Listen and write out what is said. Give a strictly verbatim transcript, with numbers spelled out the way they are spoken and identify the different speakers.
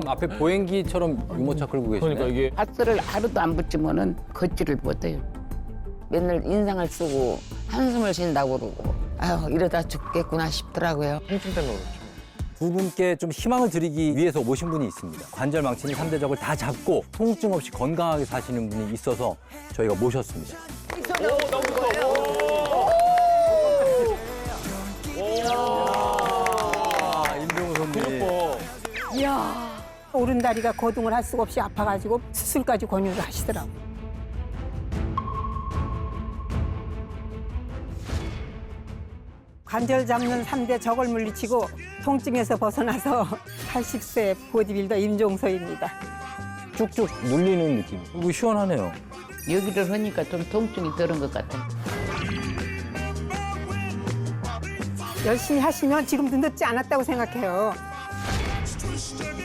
Speaker 1: 지금 앞에 보행기처럼 유모차 끌고 계시네.
Speaker 2: 그러니까 이게
Speaker 3: 파스를 하루도 안 붙이면은 걷지를 못해요. 맨날 인상을 쓰고 한숨을 쉰다고 그러고 아유 이러다 죽겠구나 싶더라고요.
Speaker 2: 통증 때문에 그렇죠.
Speaker 1: 두 분께 좀 희망을 드리기 위해서 모신 분이 있습니다. 관절 망치는 삼 대적을 다 잡고 통증 없이 건강하게 사시는 분이 있어서 저희가 모셨습니다. 아, 임종우 선배님.
Speaker 4: 오른다리가 거동을 할 수가 없이 아파가지고 수술까지 권유를 하시더라고요. 관절 잡는 삼 대 적을 물리치고 통증에서 벗어나서 팔십 세 보디빌더 임종서입니다.
Speaker 1: 쭉쭉 눌리는 느낌. 그리고 시원하네요.
Speaker 3: 여기를 하니까 좀 통증이 덜은 것 같아요.
Speaker 4: 열심히 하시면 지금도 늦지 않았다고 생각해요.